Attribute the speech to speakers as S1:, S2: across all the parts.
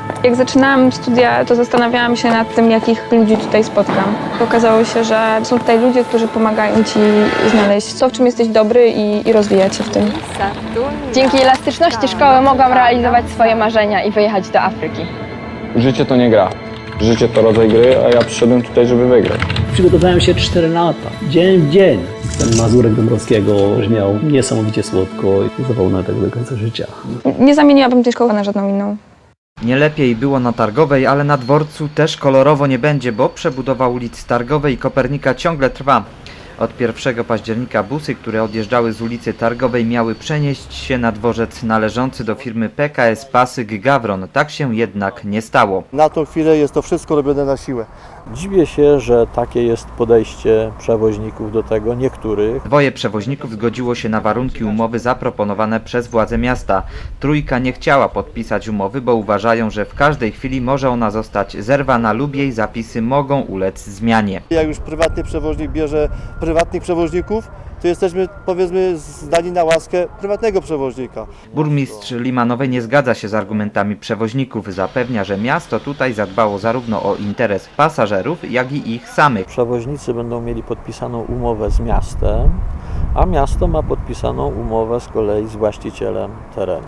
S1: Jak zaczynałam studia, to zastanawiałam się nad tym, jakich ludzi tutaj spotkam. Okazało się, że są tutaj ludzie, którzy pomagają ci znaleźć to, w czym jesteś dobry i rozwijać się w tym.
S2: Dzięki elastyczności szkoły mogłam realizować swoje marzenia i wyjechać do Afryki.
S3: Życie to nie gra. Życie to rodzaj gry, a ja przyszedłem tutaj, żeby wygrać.
S4: Przygotowałem się 4 lata, dzień w dzień. Ten Mazurek Dąbrowskiego brzmiał niesamowicie słodko i zapomnę tego do końca życia.
S1: Nie zamieniłabym tej szkoły na żadną inną.
S5: Nie lepiej było na Targowej, ale na dworcu też kolorowo nie będzie, bo przebudowa ulic Targowej i Kopernika ciągle trwa. Od 1 października busy, które odjeżdżały z ulicy Targowej, miały przenieść się na dworzec należący do firmy PKS Pasyk Gawron. Tak się jednak nie stało.
S6: Na tą chwilę jest to wszystko robione na siłę.
S7: Dziwię się, że takie jest podejście przewoźników do tego, niektórych.
S5: Dwoje przewoźników zgodziło się na warunki umowy zaproponowane przez władze miasta. Trójka nie chciała podpisać umowy, bo uważają, że w każdej chwili może ona zostać zerwana lub jej zapisy mogą ulec zmianie.
S6: Jak już prywatny przewoźnik bierze prywatnych przewoźników, to jesteśmy, powiedzmy, zdani na łaskę prywatnego przewoźnika.
S5: Burmistrz Limanowej nie zgadza się z argumentami przewoźników. Zapewnia, że miasto tutaj zadbało zarówno o interes pasażerów, jak i ich samych.
S7: Przewoźnicy będą mieli podpisaną umowę z miastem, a miasto ma podpisaną umowę z kolei z właścicielem terenu.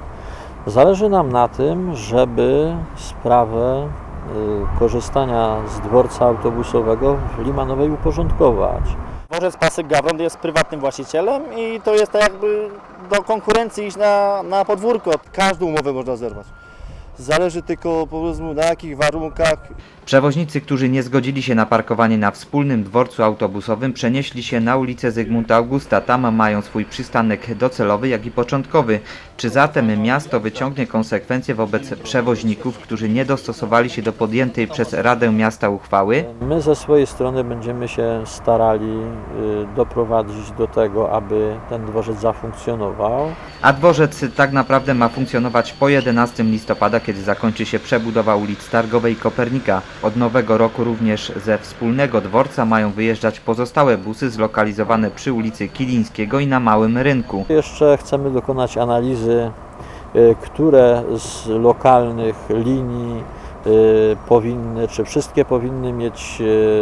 S7: Zależy nam na tym, żeby sprawę korzystania z dworca autobusowego w Limanowej uporządkować.
S8: Dworzec Pasyk Gawron jest prywatnym właścicielem i to jest tak jakby do konkurencji iść na podwórko.
S6: Każdą umowę można zerwać. Zależy tylko, powiedzmy, na jakich warunkach.
S5: Przewoźnicy, którzy nie zgodzili się na parkowanie na wspólnym dworcu autobusowym, przenieśli się na ulicę Zygmunta Augusta. Tam mają swój przystanek docelowy, jak i początkowy. Czy zatem miasto wyciągnie konsekwencje wobec przewoźników, którzy nie dostosowali się do podjętej przez Radę Miasta uchwały?
S7: My ze swojej strony będziemy się starali doprowadzić do tego, aby ten dworzec zafunkcjonował.
S5: A dworzec tak naprawdę ma funkcjonować po 11 listopada, kiedy zakończy się przebudowa ulic Targowej i Kopernika. Od nowego roku również ze wspólnego dworca mają wyjeżdżać pozostałe busy zlokalizowane przy ulicy Kilińskiego i na Małym Rynku.
S7: Jeszcze chcemy dokonać analizy, które z lokalnych linii powinny, czy wszystkie powinny mieć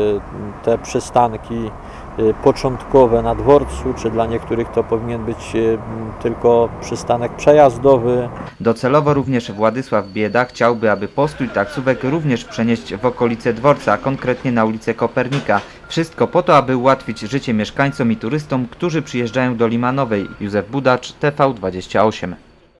S7: te przystanki początkowe na dworcu, czy dla niektórych to powinien być tylko przystanek przejazdowy.
S5: Docelowo również Władysław Bieda chciałby, aby postój taksówek również przenieść w okolice dworca, a konkretnie na ulicę Kopernika. Wszystko po to, aby ułatwić życie mieszkańcom i turystom, którzy przyjeżdżają do Limanowej. Józef Budacz, TV28.